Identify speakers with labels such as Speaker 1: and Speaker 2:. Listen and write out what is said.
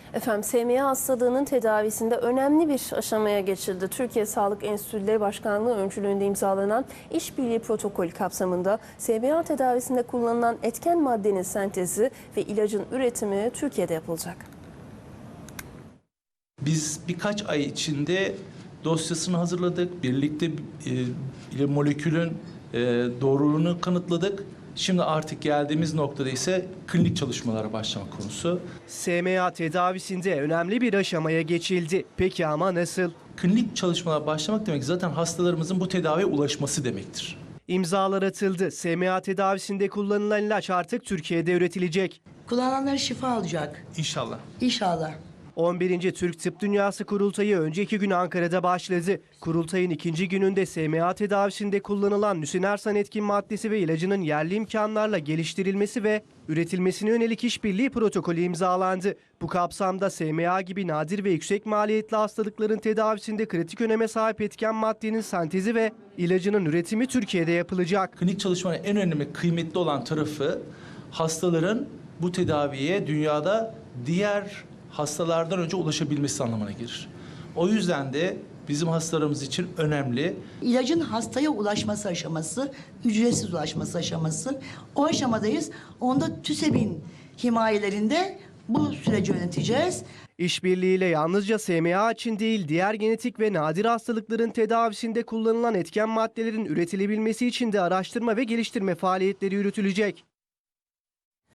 Speaker 1: Efendim, SMA hastalığının tedavisinde önemli bir aşamaya geçildi. Türkiye Sağlık Enstitüleri Başkanlığı öncülüğünde imzalanan işbirliği protokolü kapsamında SMA tedavisinde kullanılan etken maddenin sentezi ve ilacın üretimi Türkiye'de yapılacak.
Speaker 2: Biz birkaç ay içinde dosyasını hazırladık. Birlikte molekülün doğruluğunu kanıtladık. Şimdi artık geldiğimiz noktada ise klinik çalışmalara başlamak konusu.
Speaker 3: SMA tedavisinde önemli bir aşamaya geçildi. Peki ama nasıl?
Speaker 2: Klinik çalışmalara başlamak demek zaten hastalarımızın bu tedaviye ulaşması demektir.
Speaker 3: İmzalar atıldı. SMA tedavisinde kullanılan ilaç artık Türkiye'de üretilecek.
Speaker 4: Kullananlar şifa alacak.
Speaker 2: İnşallah.
Speaker 4: İnşallah.
Speaker 3: 11. Türk Tıp Dünyası Kurultayı önceki gün Ankara'da başladı. Kurultayın ikinci gününde SMA tedavisinde kullanılan nüsinersan etkin maddesi ve ilacının yerli imkanlarla geliştirilmesi ve üretilmesine yönelik işbirliği protokolü imzalandı. Bu kapsamda SMA gibi nadir ve yüksek maliyetli hastalıkların tedavisinde kritik öneme sahip etken maddenin sentezi ve ilacının üretimi Türkiye'de yapılacak.
Speaker 2: Klinik çalışmanın en önemli, kıymetli olan tarafı hastaların bu tedaviye dünyada diğer hastalardan önce ulaşabilmesi anlamına gelir. O yüzden de bizim hastalarımız için önemli.
Speaker 4: İlacın hastaya ulaşması aşaması, ücretsiz ulaşması aşaması. O aşamadayız. Onda TÜSEB'in himayelerinde bu süreci yöneteceğiz.
Speaker 3: İşbirliğiyle yalnızca SMA için değil, diğer genetik ve nadir hastalıkların tedavisinde kullanılan etken maddelerin üretilebilmesi için de araştırma ve geliştirme faaliyetleri yürütülecek.